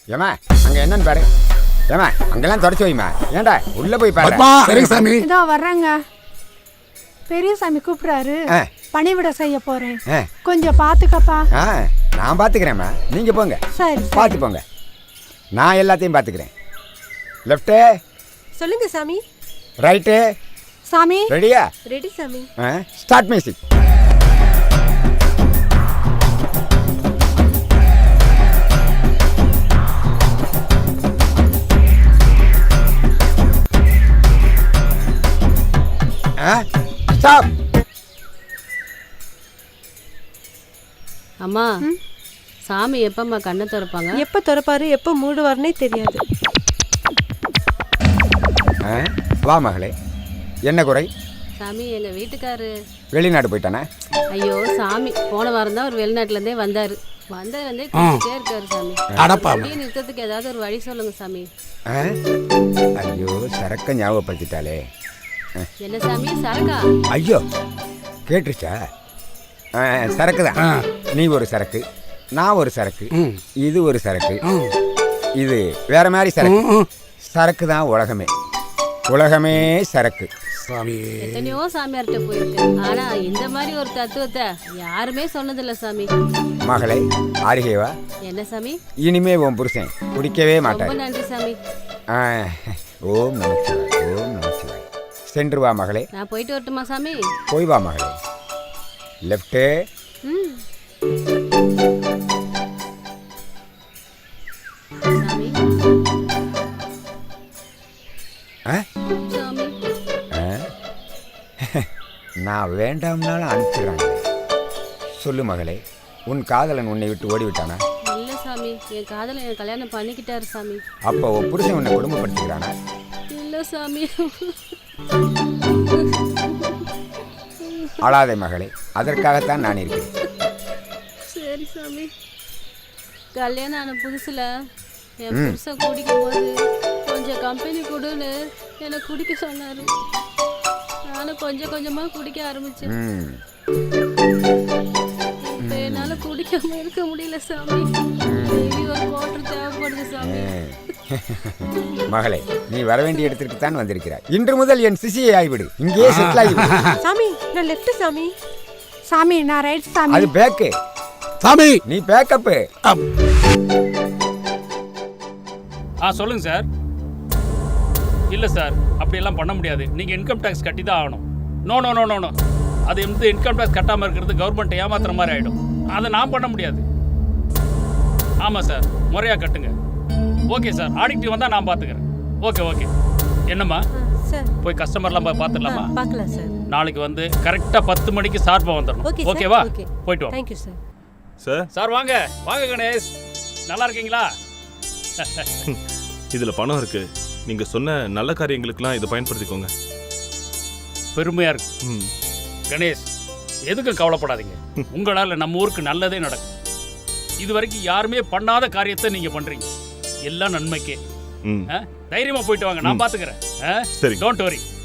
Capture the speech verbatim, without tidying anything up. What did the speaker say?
ஏமா அங்க என்னன்னு பாரு. ஏமா அங்கெல்லாம் தொடச்சு வைமா. ஏண்டா உள்ள போய் பாரு. சரிங்க சாமி. இதோ வர்றேங்க. பெரிய சாமி கூப்பிடுறாரு. பணிவிட செய்ய போறேன். கொஞ்சம் பாத்துக்கப்பா. நான் பாத்துக்கிறேம்மா, நீங்க போங்க. சரி பாத்து போங்க, நான் எல்லாத்தையும் பாத்துக்கிறேன். லெஃப்ட் சொல்லுங்க சாமி. ரைட்டு சாமி. ரெடியா? ரெடி சாமி. Start music. ஸ்டாப். அம்மா, சாமி எப்பம்மா கண்ணை திறப்பாங்க? எப்போ திறப்பாரு எப்போ மூடுவார்னே தெரியாது. வா மகளே, என்ன குறை? சாமி எங்க வீட்டுக்காரு வெளிநாடு போயிட்டானே. ஐயோ சாமி, போன வாரம் தான் ஒரு வெளிநாட்டுல இருந்தே வந்தாரு. வந்தது வந்து குடிச்சிட்டே இருக்காரு சாமி. அப்படியே நிறுத்தத்துக்கு ஏதாவது ஒரு வழி சொல்லுங்க சாமி. ஐயோ சரக்க ஞாபகப்படுத்திட்டாலே. என்ன சாமி சரக்கா? ஐயோ கேட்டுருச்சா? சரக்கு தான். நீ ஒரு சரக்கு, நான் ஒரு சரக்கு, இது ஒரு சரக்கு, இது வேற மாதிரி சரக்கு. சரக்கு தான் உலகமே. உலகமே சரக்கு. எத்தனையோ சாமியார்கிட்ட போயிருக்கு, ஆனா இந்த மாதிரி ஒரு தத்துவத்தை யாருமே சொன்னதில்ல சாமி. மகளே ஆரிகேவா. என்ன சாமி? இனிமே உன் புருஷன் குடிக்கவே மாட்டார். ரொம்ப நன்றி சாமி. ஓம் நமச்சிவாய், ஓம் நமச்சிவாய். சென்று வா மகளே. நான் போயிட்டு வரட்டுமா சாமி? போய் வா மகளே. லெஃப்ட். சாமி சாமி நான் வேண்டாம்னாலும் அனுப்பிடுறாங்க. சொல்லு மகளே, உன் காதலன் உன்னை விட்டு ஓடிவிட்டானா? இல்ல சாமி, என் காதலன் என் கல்யாணம் பண்ணிக்கிட்டாரு சாமி. அப்போ உன் புருஷன் உன்னை குடும்பப்படுத்திக்கிறானா? இல்ல சாமி. அழாதே மகளே, அதற்காகத்தான் நான் இருக்கிறேன். சரி சாமி. கல்யாணம் ஆன புதுசுல என் புருஷன் குடிக்கும் போது கொஞ்சம் கம்பெனி கொடுன்னு என்னை குடிக்க சொன்னாரு. நானும் கொஞ்சம் கொஞ்சமா குடிக்க ஆரம்பிச்சேன். இப்ப என்னால குடிக்காம இருக்க முடியல சாமி. ஒரு குவார்டர் தேவைப்படுது சாமி. மகளே, நீ வர வேண்டிய இடத்திற்கு தான் வந்திருக்கிறாய். இன்று முதல் என் சிசியை ஆகிவிடு. இங்கே செட்டில் ஆகிவிடு. சாமி நான் லெஃப்ட் சாமி. சாமி நான் ரைட் சாமி. அது பேக்கு சாமி. நீ பேக்கப். ஆ சொல்லுங்க சார். இல்லை சார், அப்படியெல்லாம் பண்ண முடியாது. நீங்கள் இன்கம் டேக்ஸ் கட்டி தான் ஆகணும். No no no no no அது வந்து இன்கம் டேக்ஸ் கட்டாமல் இருக்கிறது கவர்மெண்ட் ஏமாத்துற மாதிரி ஆகிடும். அதை நான் பண்ண முடியாது. ஆமாம் சார், முறையாக கட்டுங்க. ஓகே சார், ஆடிட்டு வந்தால் நான் பார்த்துக்கிறேன். Okay okay. என்னம்மா சார் போய் கஸ்டமர்லாம் போய் பார்த்துடலாமா? பார்க்கலாம் சார். நாளைக்கு வந்து கரெக்டாக பத்து மணிக்கு சார்பாக வந்துடணும். ஓகேவா? போயிட்டு வாங்க. Thank you sir. சார் சார் வாங்க வாங்க கணேஷ், நல்லா இருக்கீங்களா? இதில் பணம் இருக்கு. நீங்கள் சொன்ன நல்ல காரியங்களுக்கெல்லாம் இதை பயன்படுத்திக்கோங்க. பெருமையாக இருக்கு. ம் கணேஷ், எதுக்கும் கவலைப்படாதீங்க. உங்களால் நம்ம ஊருக்கு நல்லதே நடக்கும். இது வரைக்கும் யாருமே பண்ணாத காரியத்தை நீங்கள் பண்ணுறீங்க. எல்லாம் நன்மைக்கே. தைரியமாக போயிட்டு வாங்க, நான் பார்த்துக்கிறேன். சரி, டோன்ட் வரி.